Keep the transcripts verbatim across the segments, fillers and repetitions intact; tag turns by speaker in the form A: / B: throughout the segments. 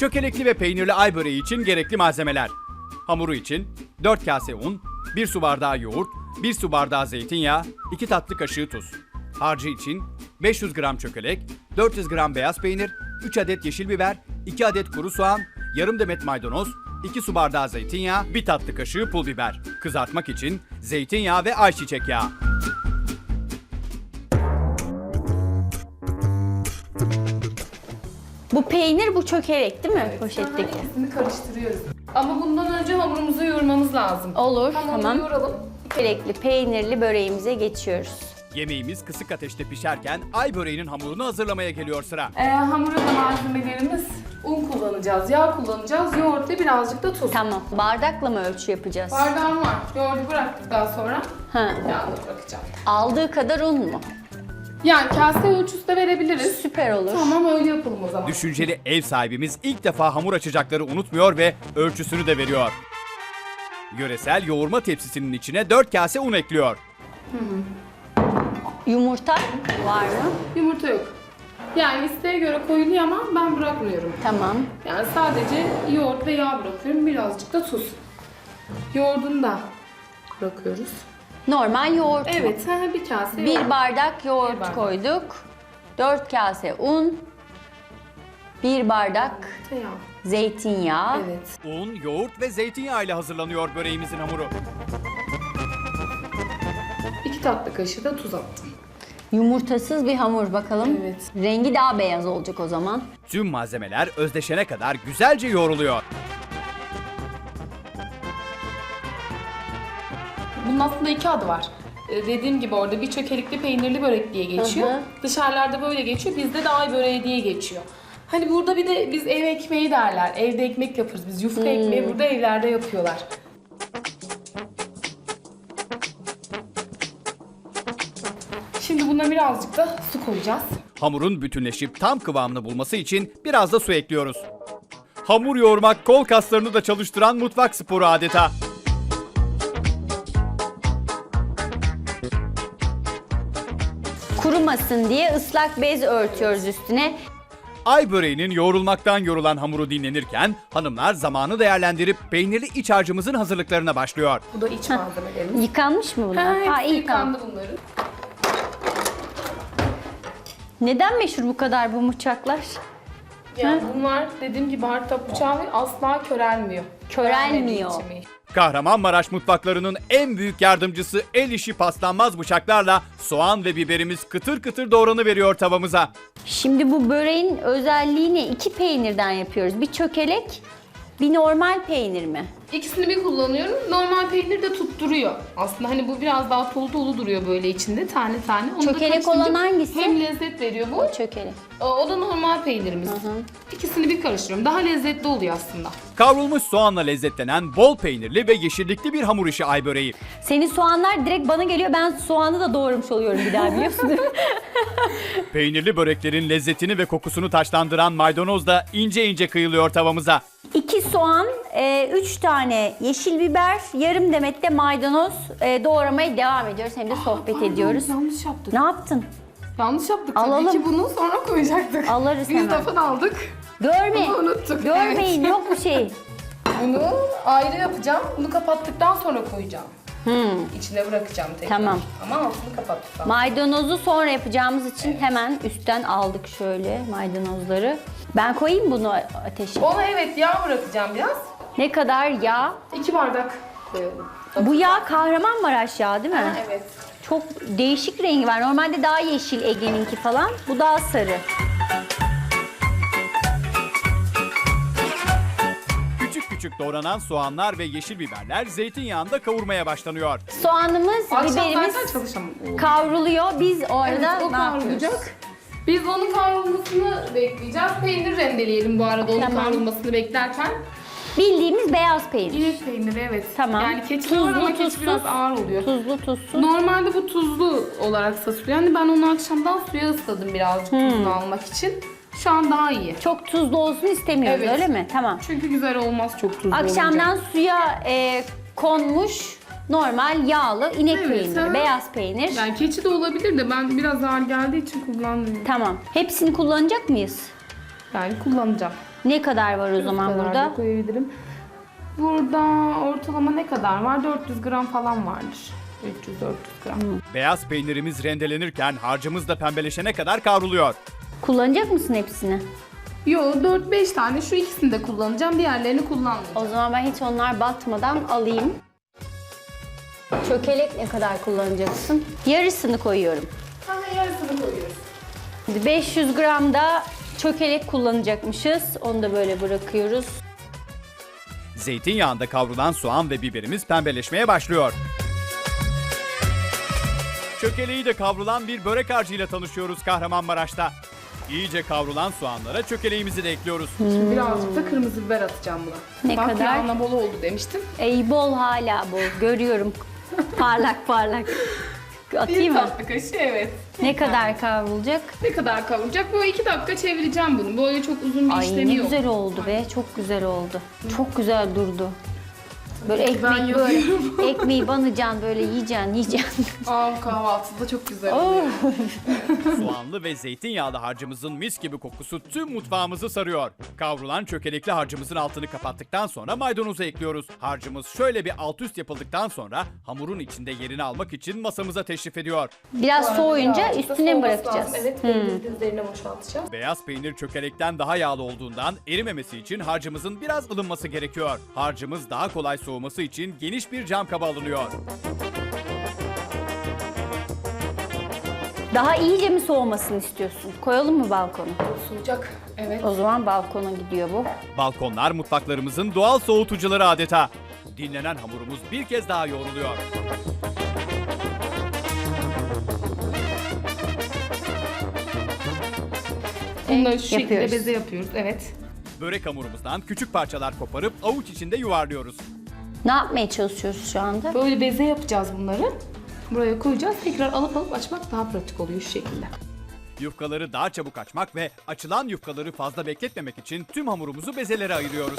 A: Çökelekli ve peynirli ay böreği için gerekli malzemeler. Hamuru için dört kase un, bir su bardağı yoğurt, bir su bardağı zeytinyağı, iki tatlı kaşığı tuz. Harcı için beş yüz gram çökelek, dört yüz gram beyaz peynir, üç adet yeşil biber, iki adet kuru soğan, yarım demet maydanoz, iki su bardağı zeytinyağı, bir tatlı kaşığı pul biber. Kızartmak için zeytinyağı ve ayçiçek yağı.
B: Bu peynir, bu çökelek değil mi? Poşetteki.
C: İkisini karıştırıyoruz. Ama bundan önce hamurumuzu yoğurmamız lazım.
B: Olur,
C: Hamurunu
B: tamam.
C: yoğuralım.
B: Çökelekli, peynirli böreğimize geçiyoruz.
A: Yemeğimiz kısık ateşte pişerken ay böreğinin hamurunu hazırlamaya geliyor sıra.
C: Ee, hamura da malzemelerimiz un kullanacağız, yağ kullanacağız, yoğurt ve birazcık da tuz.
B: Tamam. Bardakla mı ölçü yapacağız?
C: Bardağım var. Yoğurdu bıraktıktan sonra
B: Ha.
C: yağını bırakacağım.
B: Aldığı kadar un mu?
C: Yani kase ölçüsü de verebiliriz.
B: Süper olur.
C: Tamam, öyle yapalım o zaman.
A: Düşünceli ev sahibimiz ilk defa hamur açacakları unutmuyor ve ölçüsünü de veriyor. Yöresel yoğurma tepsisinin içine dört kase un ekliyor.
B: Yumurta var mı?
C: Yumurta yok. Yani isteğe göre koyuluyor ama ben bırakmıyorum.
B: Tamam.
C: Yani sadece yoğurt ve yağ bırakıyorum. Birazcık da tuz. Yoğurdunu da bırakıyoruz.
B: Normal yoğurt mu?
C: Evet, ha, bir kase
B: Bir
C: yoğurt.
B: bardak yoğurt
C: Bir bardak.
B: koyduk. Dört kase un. Bir bardak
C: Yağ.
B: zeytinyağı.
C: Evet.
A: Un, yoğurt ve zeytinyağı ile hazırlanıyor böreğimizin hamuru.
C: İki tatlı kaşığı da tuz attım.
B: Yumurtasız bir hamur bakalım.
C: Evet.
B: Rengi daha beyaz olacak o zaman.
A: Tüm malzemeler özdeşene kadar güzelce yoğruluyor.
C: Bunun aslında iki adı var. Ee, dediğim gibi orada bir çökelikli peynirli börek diye geçiyor.
B: Hı hı.
C: Dışarılarda böyle geçiyor. Bizde de ay böreği diye geçiyor. Hani burada bir de biz ev ekmeği derler. Evde ekmek yaparız biz. Yufka ekmeği burada evlerde yapıyorlar. Şimdi buna birazcık da su koyacağız.
A: Hamurun bütünleşip tam kıvamını bulması için biraz da su ekliyoruz. Hamur yoğurmak kol kaslarını da çalıştıran mutfak sporu adeta.
B: Kurumasın diye ıslak bez örtüyoruz üstüne.
A: Ay böreğinin yoğrulmaktan yorulan hamuru dinlenirken hanımlar zamanı değerlendirip peynirli iç harcımızın hazırlıklarına başlıyor.
C: Bu da iç malzemelerimiz.
B: Yıkanmış mı bunlar?
C: Ha, hepsi
B: iyi tamam.
C: yıkandı bunların.
B: Neden meşhur bu kadar bu bıçaklar?
C: Yani bunlar dediğim gibi hardtop bıçağı ve asla körelmiyor.
B: Körelmiyor.
C: Körelmediği için.
A: Kahramanmaraş mutfaklarının en büyük yardımcısı el işi paslanmaz bıçaklarla soğan ve biberimiz kıtır kıtır doğranıveriyor tavamıza.
B: Şimdi bu böreğin özelliği ne? İki peynirden yapıyoruz. Bir çökelek, bir normal peynir mi?
C: İkisini bir kullanıyorum. Normal peynir de tutturuyor. Aslında hani bu biraz daha dolu dolu duruyor böyle içinde tane tane. Onu da
B: Çökelek
C: karıştırınca
B: olan hangisi?
C: Hem lezzet veriyor bu.
B: Çökelek.
C: O, o da normal peynirimiz. İkisini bir karıştırıyorum. Daha lezzetli oluyor aslında.
A: Kavrulmuş soğanla lezzetlenen bol peynirli ve yeşillikli bir hamur işi ay böreği.
B: Senin soğanlar direkt bana geliyor. Ben soğanı da doğramış oluyorum bir daha biliyorsun değil mi?
A: Peynirli böreklerin lezzetini ve kokusunu taşlandıran maydanoz da ince ince kıyılıyor tavamıza.
B: İki soğan, e, üç tane yeşil biber, yarım demet de maydanoz e, doğramaya devam ediyoruz. Hem de sohbet
C: Pardon,
B: ediyoruz.
C: Yanlış yaptık.
B: Ne yaptın?
C: Yanlış yaptık
B: Alalım.
C: tabii ki bunu sonra koyacaktık.
B: Alırız
C: Biz
B: hemen.
C: lafını aldık.
B: Görme.
C: Bunu unuttuk,
B: Görmeyin
C: evet.
B: yok bir şey.
C: Bunu ayrı yapacağım. Bunu kapattıktan sonra koyacağım. İçine bırakacağım tekrar.
B: Tamam.
C: Ama altını kapattıktan.
B: Maydanozu sonra yapacağımız için hemen üstten aldık şöyle maydanozları. Ben koyayım bunu ateşe.
C: Ona evet yağ bırakacağım biraz.
B: Ne kadar yağ?
C: İki bardak koyalım.
B: Bu yağ Kahramanmaraş yağı değil mi?
C: Ha, evet.
B: Çok değişik rengi var. Normalde daha yeşil Ege'ninki falan. Bu daha sarı.
A: Küçük küçük doğranan soğanlar ve yeşil biberler zeytinyağında kavurmaya başlanıyor.
B: Soğanımız,
C: Akşam
B: biberimiz
C: zaten çalışamam.
B: kavruluyor. Biz orada
C: Evet, o
B: ne yapıyoruz?
C: kavrulacak. Biz onun kavrulmasını bekleyeceğiz. Peynir rendeleyelim bu arada onun
B: Tamam.
C: kavrulmasını beklerken.
B: Bildiğimiz beyaz peynir.
C: İnek peyniri evet.
B: Tamam.
C: Yani keçi var ama keçi biraz ağır oluyor.
B: Tuzlu tuzsuz.
C: Normalde bu tuzlu olarak satılıyor. Yani ben onu akşamdan suya ısladım birazcık tuzunu almak için. Şu an daha iyi.
B: Çok tuzlu olsun istemiyoruz
C: Evet.
B: öyle mi? Tamam.
C: Çünkü güzel olmaz çok tuzlu
B: Akşamdan
C: olunca.
B: suya e, konmuş normal yağlı inek
C: Evet,
B: peyniri,
C: ha.
B: beyaz peynir.
C: Yani keçi de olabilir de ben biraz ağır geldiği için kullanmıyorum.
B: Tamam. Hepsini kullanacak mıyız?
C: Yani kullanacağım.
B: Ne kadar var o zaman
C: kadar
B: burada?
C: da koyabilirim. Burada ortalama ne kadar var? dört yüz gram falan vardır. üç yüz dört yüz gram.
A: Beyaz peynirimiz rendelenirken harcımız da pembeleşene kadar kavruluyor.
B: Kullanacak mısın hepsini?
C: Yo, dört beş tane şu ikisini de kullanacağım. Diğerlerini kullanmayacağım.
B: O zaman ben hiç onlar batmadan alayım. Çökelek ne kadar kullanacaksın? Yarısını koyuyorum.
C: Ha, yarısını koyuyoruz.
B: beş yüz gram da çökelek kullanacakmışız. Onu da böyle bırakıyoruz.
A: Zeytinyağında kavrulan soğan ve biberimiz pembeleşmeye başlıyor. Çökeleği de kavrulan bir börek harcıyla tanışıyoruz Kahramanmaraş'ta. İyice kavrulan soğanlara çökeleğimizi de ekliyoruz.
C: Şimdi birazcık da kırmızı biber atacağım buna.
B: Ne
C: Bak
B: kadar?
C: yağına bol oldu demiştim.
B: Ey bol hala bol. Görüyorum. Parlak parlak. Atayım
C: Bir
B: mı?
C: tatlı kaşığı, evet.
B: Ne kadar kavrulacak?
C: Ne kadar kavuracak? Böyle iki dakika çevireceğim bunu. Böyle çok uzun bir
B: Ay
C: işlemi
B: ne
C: yok.
B: güzel oldu be. Çok güzel oldu. Çok güzel durdu. Böyle
C: Ben
B: ekmek
C: yapıyorum.
B: böyle. Ekmeği banacaksın böyle yiyeceksin yiyeceksin.
C: Aa, kahvaltıda çok güzel oluyor.
A: Soğanlı ve zeytinyağlı harcımızın mis gibi kokusu tüm mutfağımızı sarıyor. Kavrulan çökelekli harcımızın altını kapattıktan sonra maydanozu ekliyoruz. Harcımız şöyle bir alt üst yapıldıktan sonra hamurun içinde yerini almak için masamıza teşrif ediyor.
B: Biraz soğuyunca
C: Birazcık da
B: üstüne mi
C: soğuması
B: bırakacağız?
C: lazım. Evet, peynirin üzerine boşaltacağız.
A: Beyaz peynir çökelekten daha yağlı olduğundan erimemesi için harcımızın biraz ılınması gerekiyor. Harcımız daha kolay soğuması için geniş bir cam kaba alınıyor.
B: Daha iyice mi soğumasını istiyorsun? Koyalım mı balkona?
C: Soğuyacak. Evet.
B: O zaman balkona gidiyor bu.
A: Balkonlar mutfaklarımızın doğal soğutucuları adeta. Dinlenen hamurumuz bir kez daha yoğruluyor.
C: Bunları şu şekilde
B: Yapıyoruz.
C: beze yapıyoruz. Evet.
A: Börek hamurumuzdan küçük parçalar koparıp avuç içinde yuvarlıyoruz.
B: Ne yapmaya çalışıyoruz şu anda?
C: Böyle beze yapacağız bunları. Buraya koyacağız. Tekrar alıp alıp açmak daha pratik oluyor şu şekilde.
A: Yufkaları daha çabuk açmak ve açılan yufkaları fazla bekletmemek için tüm hamurumuzu bezelere ayırıyoruz.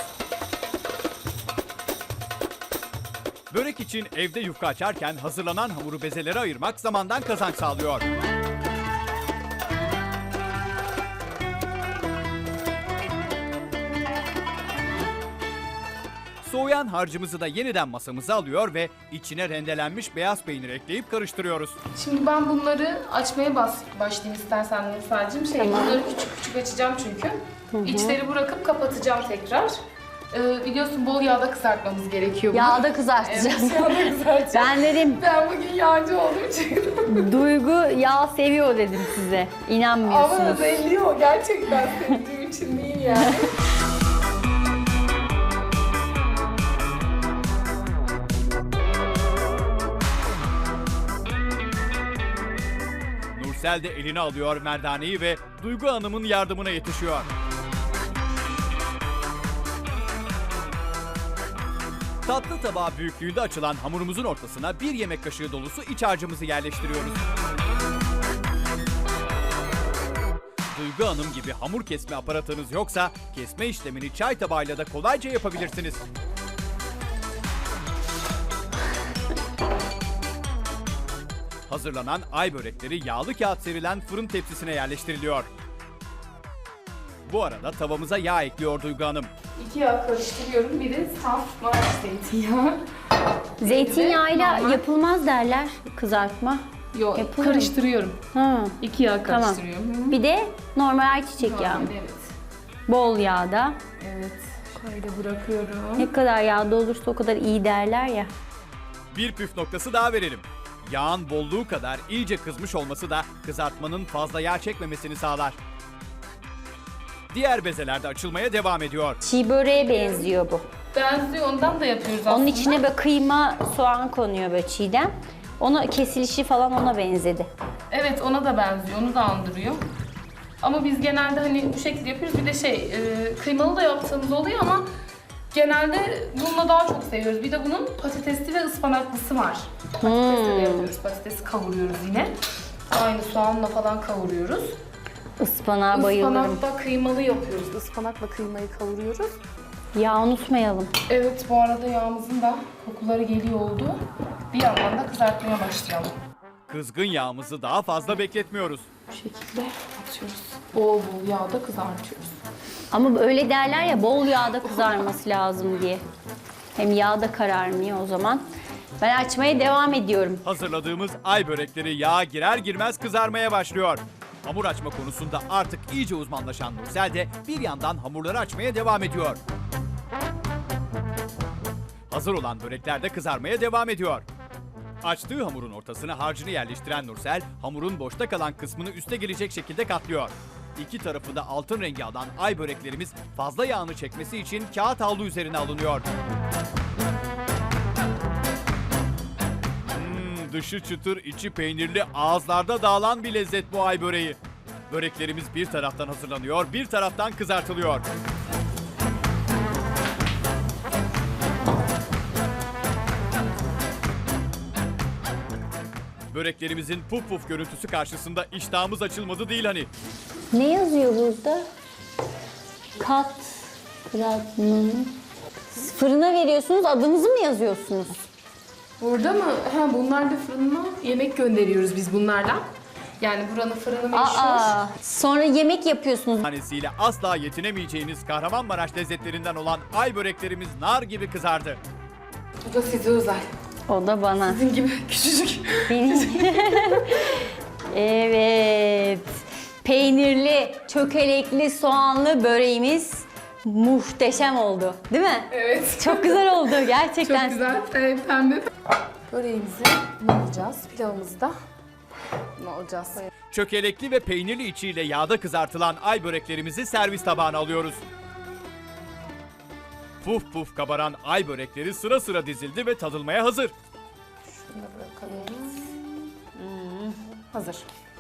A: Börek için evde yufka açarken hazırlanan hamuru bezelere ayırmak zamandan kazanç sağlıyor. Soğuyan harcımızı da yeniden masamıza alıyor ve içine rendelenmiş beyaz peynir ekleyip karıştırıyoruz.
C: Şimdi ben bunları açmaya bas başlayayım istersen Nursel'cim. Şey,
B: Tamam.
C: bunları küçük küçük açacağım çünkü. İçleri bırakıp kapatacağım tekrar. Ee, biliyorsun bol yağda kızartmamız gerekiyor bunu.
B: Yağda kızartacağız.
C: Evet, yağda kızartacağım.
B: Ben dedim
C: Ben bugün yağcı olduğum için.
B: Duygu yağ seviyor dedim size.
C: Ama
B: İnanmıyorsunuz.
C: belli o. Gerçekten sevdiğim için değil yani.
A: Nursel de eline alıyor merdaneyi ve Duygu Hanım'ın yardımına yetişiyor. Tatlı tabağı büyüklüğünde açılan hamurumuzun ortasına bir yemek kaşığı dolusu iç harcımızı yerleştiriyoruz. Duygu Hanım gibi hamur kesme aparatınız yoksa kesme işlemini çay tabağıyla da kolayca yapabilirsiniz. Hazırlanan ay börekleri yağlı kağıt serilen fırın tepsisine yerleştiriliyor. Bu arada tavamıza yağ ekliyor Duygu Hanım.
C: İki yağ karıştırıyorum. Biri saf Maraş zeytinyağı.
B: Zeytinyağıyla
C: Normal.
B: yapılmaz derler kızartma.
C: Yok,
B: Yapılır mı?
C: karıştırıyorum.
B: Ha.
C: İki yağ
B: Tamam.
C: karıştırıyorum.
B: Bir de normal ayçiçek yağı.
C: Normal, evet.
B: Bol yağda.
C: Evet. Şöyle bırakıyorum.
B: Ne kadar yağda olursa o kadar iyi derler ya.
A: Bir püf noktası daha verelim. Yağın bolluğu kadar iyice kızmış olması da kızartmanın fazla yağ çekmemesini sağlar. Diğer bezeler de açılmaya devam ediyor.
B: Çiğ böreğe benziyor bu.
C: Benziyor, ondan da yapıyoruz aslında.
B: Onun içine böyle kıyma, soğan konuyor böyle çiğden. Onu kesilişi falan ona benzedi.
C: Evet, ona da benziyor, onu da andırıyor. Ama biz genelde hani bu şekilde yapıyoruz. Bir de şey, e, kıymalı da yaptığımız oluyor ama genelde bununla daha çok seviyoruz. Bir de bunun patatesli ve ıspanaklısı var. Patatesle de yapıyoruz. Patatesi kavuruyoruz yine. Aynı soğanla falan kavuruyoruz.
B: Ispanağa bayılırım.
C: Ispanakla kıymalı yapıyoruz. Ispanakla kıymayı kavuruyoruz.
B: Yağ unutmayalım.
C: Evet, bu arada yağımızın da kokuları geliyor oldu. Bir yandan da kızartmaya başlayalım.
A: Kızgın yağımızı daha fazla bekletmiyoruz.
C: Bu şekilde atıyoruz. Bol bol yağda kızartıyoruz.
B: Ama öyle derler ya, bol yağda kızarması lazım diye. Hem yağda kararmıyor o zaman. Ben açmaya devam ediyorum.
A: Hazırladığımız ay börekleri yağa girer girmez kızarmaya başlıyor. Hamur açma konusunda artık iyice uzmanlaşan Nursel de bir yandan hamurları açmaya devam ediyor. Hazır olan börekler de kızarmaya devam ediyor. Açtığı hamurun ortasına harcını yerleştiren Nursel, hamurun boşta kalan kısmını üste gelecek şekilde katlıyor. İki tarafı da altın rengi alan ay böreklerimiz fazla yağını çekmesi için kağıt havlu üzerine alınıyor. Hmm, dışı çıtır, içi peynirli, ağızlarda dağılan bir lezzet bu ay böreği. Böreklerimiz bir taraftan hazırlanıyor, bir taraftan kızartılıyor. Böreklerimizin puf puf görüntüsü karşısında iştahımız açılmadı değil hani.
B: Ne yazıyor burada? Kat fragmanı. Fırına veriyorsunuz, adınızı mı yazıyorsunuz?
C: Burada mı? Ha, bunlar da fırına yemek gönderiyoruz biz bunlarla. Yani buranın fırını meşhur.
B: Aa, sonra yemek yapıyorsunuz.
A: Tanesiyle asla yetinemeyeceğiniz Kahramanmaraş lezzetlerinden olan ay böreklerimiz nar gibi kızardı.
C: Bu da size özel.
B: O da bana.
C: Sizin gibi küçücük.
B: Benim. Evet. Peynirli, çökelekli, soğanlı böreğimiz muhteşem oldu. Değil mi?
C: Evet.
B: Çok güzel oldu gerçekten.
C: Çok güzel. Evet, pembe. Böreğimizi ne alacağız? Pilavımızı da ne alacağız?
A: Çökelekli ve peynirli içiyle yağda kızartılan ay böreklerimizi servis tabağına alıyoruz. Puf puf kabaran ay börekleri sıra sıra dizildi ve tadılmaya hazır.
C: Şunu da bırakalım. Hazır.